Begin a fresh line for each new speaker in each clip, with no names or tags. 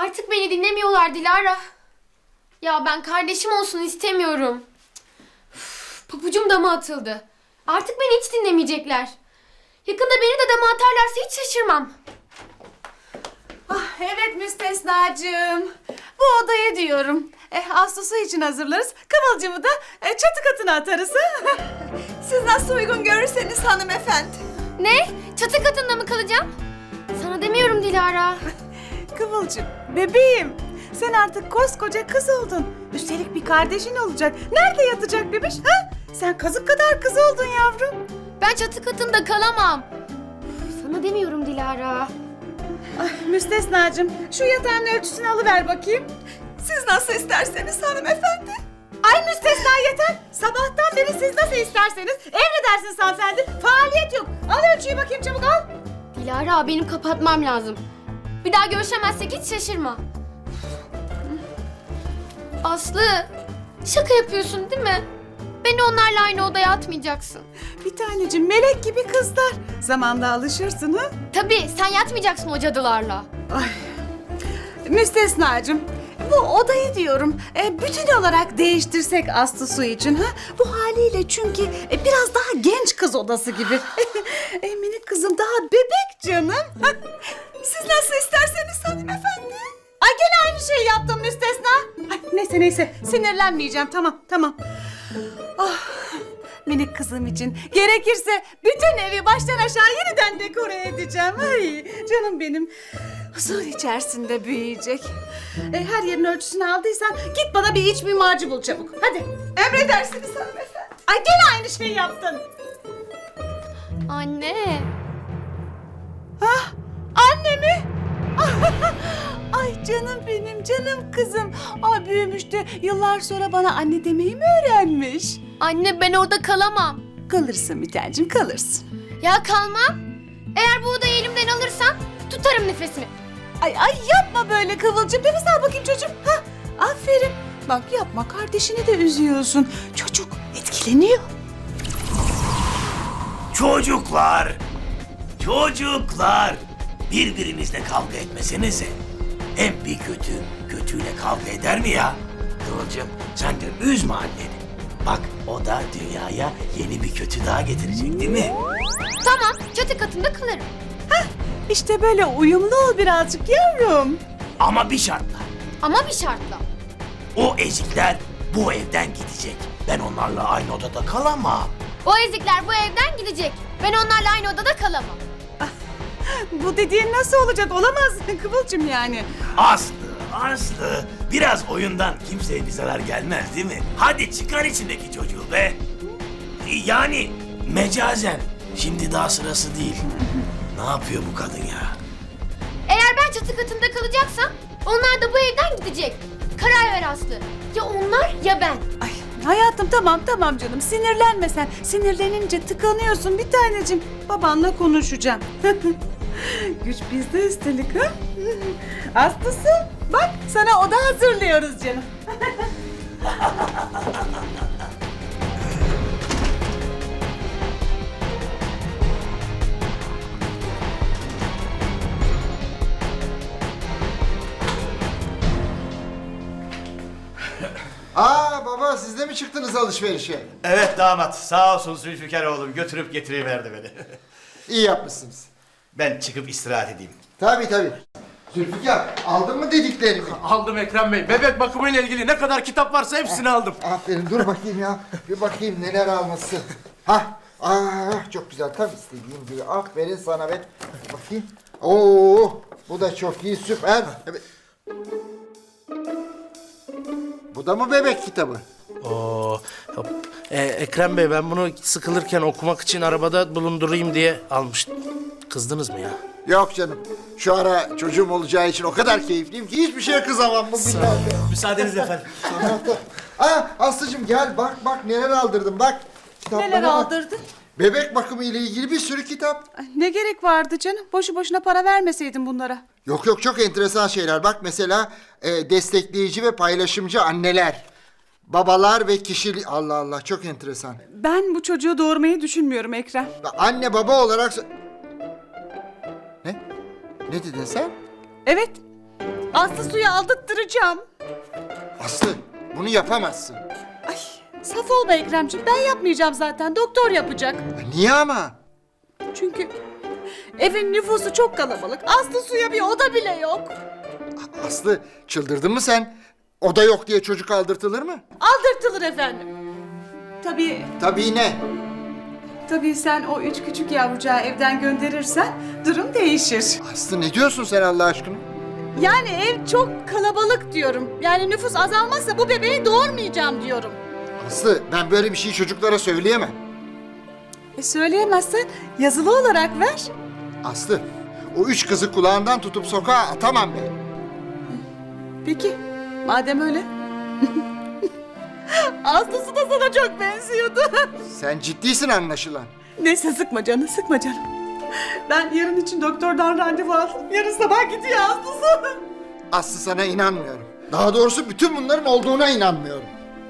Artık beni dinlemiyorlar Dilara. Ya ben kardeşim olsun istemiyorum. Üf, pabucum dama atıldı. Artık beni hiç dinlemeyecekler. Yakında beni de dama atarlarsa hiç şaşırmam.
Evet Müstesnacığım. Bu odayı diyorum. Ağustos'u için hazırlarız. Kıvılcımı da çatı katına atarız. Siz nasıl uygun görürseniz hanımefendi.
Ne? Çatı katında mı kalacağım? Sana demiyorum Dilara.
Kıvılcım, bebeğim. Sen artık koskoca kız oldun. Üstelik bir kardeşin olacak. Nerede yatacak bebiş? Ha? Sen kazık kadar kız oldun yavrum.
Ben çatı katında kalamam. Üf, sana demiyorum Dilara.
Müstesnacığım, şu yatağın ölçüsünü alıver bakayım. Siz nasıl isterseniz hanımefendi. Ay müstesna yeter. Sabahtan beri siz nasıl isterseniz. Emredersiniz hanımefendi. Faaliyet yok. Al ölçüyü bakayım, çabuk al.
Dilara benim kapatmam lazım. Bir daha görüşemezsek hiç şaşırma. Aslı, şaka yapıyorsun değil mi? Beni onlarla aynı odaya atmayacaksın.
Bir tanecim, melek gibi kızlar. Zamanla alışırsın ha.
Tabii sen yatmayacaksın o cadılarla.
Ay. Müstesnacığım, bu odayı diyorum bütün olarak değiştirsek Aslı Su için ha. Bu haliyle çünkü biraz daha genç kız odası gibi. Minik kızım daha bebek canım. Siz nasıl isterseniz hanımefendi. Ay gene aynı şeyi yaptım müstesna. Ay, neyse sinirlenmeyeceğim, tamam. Ah, minik kızım için gerekirse bütün evi baştan aşağı yeniden dekore edeceğim. Ay canım benim. Huzur içerisinde büyüyecek. Her yerin ölçüsünü aldıysan git bana bir iç mimarcı bul çabuk. Hadi. Emredersiniz hanımefendi. Ay gene aynı şeyi yaptın.
Anne.
Ah, anne mi? Ay canım benim, canım kızım. Ay büyümüş de yıllar sonra bana anne demeyi mi öğrenmiş?
Anne ben orada kalamam.
Kalırsın bir tancım, kalırsın.
Ya kalmam. Eğer bu odayı elimden alırsan tutarım nefesimi.
Ay yapma böyle Kıvılcım. Nefes al bakayım çocuğum. Ha, aferin. Bak yapma, kardeşini de üzüyorsun. Çocuk etkileniyor.
Çocuklar, birbirinizle kavga etmesenize. Hem bir kötüyle kavga eder mi ya? Kıvılcım, sen de üzme anneni. Bak, o da dünyaya yeni bir kötü daha getirecek değil mi?
Tamam çatı katında kalırım.
İşte böyle uyumlu ol birazcık yavrum.
Ama bir şartla.
Ama bir şartla.
O ezikler bu evden gidecek. Ben onlarla aynı odada kalamam.
O ezikler bu evden gidecek. Ben onlarla aynı odada kalamam.
Bu dediğin nasıl olacak? Olamaz Kıvılcım yani.
Aslı, biraz oyundan kimseye bir zarar gelmez değil mi? Hadi çıkar içindeki çocuğu be. Yani mecazen. Şimdi daha sırası değil. Ne yapıyor bu kadın ya?
Eğer ben çatı katında kalacaksam onlar da bu evden gidecek. Karar ver Aslı. Ya onlar ya ben.
Ay hayatım tamam canım. Sinirlenme sen. Sinirlenince tıkanıyorsun bir tanecim. Babanla konuşacağım. Güç bizde üstelik ha. Aslısı bak sana oda hazırlıyoruz canım.
Baba siz de mi çıktınız alışverişe?
Evet damat, sağ olsun Zülfikar oğlum götürüp getiriverdi beni.
İyi yapmışsınız.
Ben çıkıp istirahat edeyim.
Tabii. Zülfikar aldın mı dediklerimi?
Aldım Ekrem Bey. Bebek bakımıyla ilgili ne kadar kitap varsa hepsini aldım.
Aferin dur bakayım ya. Bir bakayım neler almışsın. Çok güzel tam istediğim gibi. Aferin sana be. Bakayım. Oo, bu da çok iyi süper. Evet. Bu da mı bebek kitabı?
Oo, hop. Ekrem Bey ben bunu sıkılırken okumak için arabada bulundurayım diye almıştım. Kızdınız mı ya?
Yok canım. Şu ara çocuğum olacağı için o kadar keyifliyim ki hiçbir şeye kızamam bu billahi.
Müsaadenizle efendim.
Aslıcığım gel bak neler aldırdım bak. Kitaplara
Neler
bak.
aldırdın?
Bebek bakımı ile ilgili bir sürü kitap.
Ay, ne gerek vardı canım? Boşu boşuna para vermeseydin bunlara.
Yok çok enteresan şeyler. Bak mesela destekleyici ve paylaşımcı anneler. Babalar ve kişilik... Allah Allah çok enteresan.
Ben bu çocuğu doğurmayı düşünmüyorum Ekrem.
Anne baba olarak... Ne? Ne dedin sen?
Evet. Aslı suyu aldırtıracağım.
Aslı bunu yapamazsın.
Ay, saf olma Ekremciğim. Ben yapmayacağım zaten. Doktor yapacak.
Niye ama?
Çünkü evin nüfusu çok kalabalık. Aslı suya bir oda bile yok.
Aslı çıldırdın mı sen? Oda yok diye çocuk aldırtılır mı?
Aldırtılır efendim. Tabii,
Tabii ne?
tabii sen o 3 küçük yavrucağı evden gönderirsen durum değişir.
Aslı ne diyorsun sen Allah aşkına?
Yani ev çok kalabalık diyorum. Yani nüfus azalmazsa bu bebeği doğurmayacağım diyorum.
Aslı ben böyle bir şey çocuklara söyleyemem.
Söyleyemezsen yazılı olarak ver.
Aslı o 3 kızı kulağından tutup sokağa atamam ben.
Peki, madem öyle. Aslısı da sana çok benziyordu.
Sen ciddisin anlaşılan.
Neyse sıkma canım, sıkma canım. Ben yarın için doktordan randevu aldım. Yarın sabah gidiyor Aslısı.
Aslı sana inanmıyorum. Daha doğrusu bütün bunların olduğuna inanmıyorum.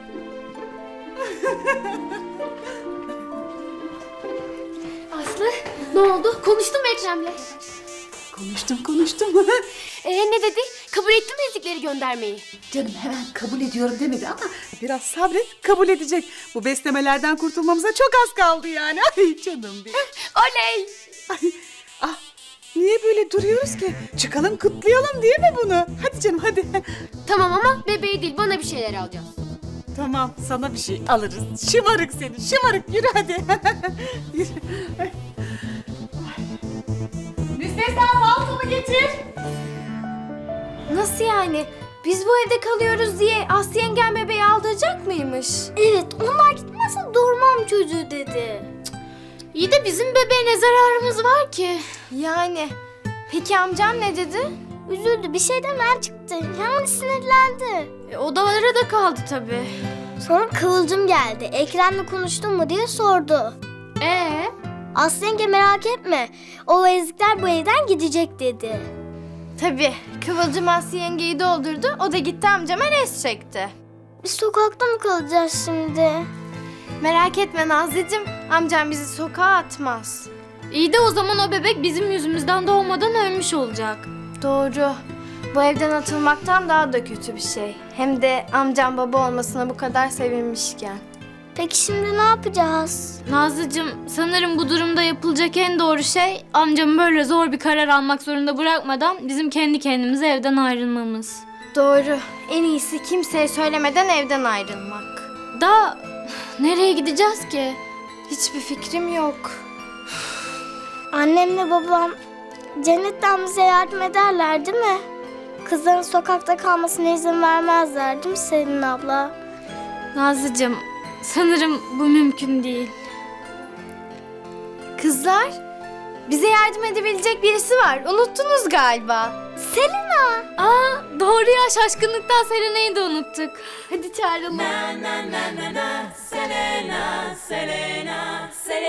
Aslı ne oldu? Konuştun mu Ekrem'le?
Konuştum.
Ne dedi? Kabul etti mi ezikleri göndermeyi?
Canım hemen kabul ediyorum demedi ama biraz sabret, kabul edecek. Bu beslemelerden kurtulmamıza çok az kaldı yani. Ay canım benim.
Oley!
Ay, ah, niye böyle duruyoruz ki? Çıkalım kutlayalım değil mi bunu? Hadi canım hadi.
Tamam ama bebeği değil bana bir şeyler alacağız.
Tamam sana bir şey alırız. Şımarık seni şımarık yürü hadi. Yürü. Ay. Müstesna paltomu getir.
Nasıl yani? Biz bu evde kalıyoruz diye Aslı yengem bebeği aldıracak mıymış?
Evet, onlar gitmezse doğurmam çocuğu dedi.
İyi de bizim bebeğe ne zararımız var ki? Yani. Peki amcam ne dedi?
Üzüldü, bir şey demeden çıktı. Hemen sinirlendi.
Odalara da kaldı tabii.
Sonra Kıvılcım geldi. Ekrem'le konuştun mu diye sordu. Aslı yenge merak etme. O ezikler bu evden gidecek dedi.
Tabii. Kıvılcım Aslı yengeyi doldurdu. O da gitti amcama res çekti.
Biz sokakta mı kalacağız şimdi?
Merak etme Nazlıcığım. Amcam bizi sokağa atmaz. İyi de o zaman o bebek bizim yüzümüzden doğmadan ölmüş olacak. Doğru. Bu evden atılmaktan daha da kötü bir şey. Hem de amcam baba olmasına bu kadar sevinmişken.
Peki şimdi ne yapacağız?
Nazlıcığım, sanırım bu durumda yapılacak en doğru şey amcamı böyle zor bir karar almak zorunda bırakmadan bizim kendi kendimize evden ayrılmamız.
Doğru. En iyisi kimseye söylemeden evden ayrılmak.
Da nereye gideceğiz ki?
Hiçbir fikrim yok.
Annemle babam cennetten bize yardım ederler değil mi? Kızların sokakta kalmasına izin vermezler değil mi Selin abla?
Nazlıcığım, sanırım bu mümkün değil.
Kızlar, bize yardım edebilecek birisi var. Unuttunuz galiba.
Selina!
Aa, doğru ya, şaşkınlıktan Selena'yı da unuttuk.
Hadi çağıralım.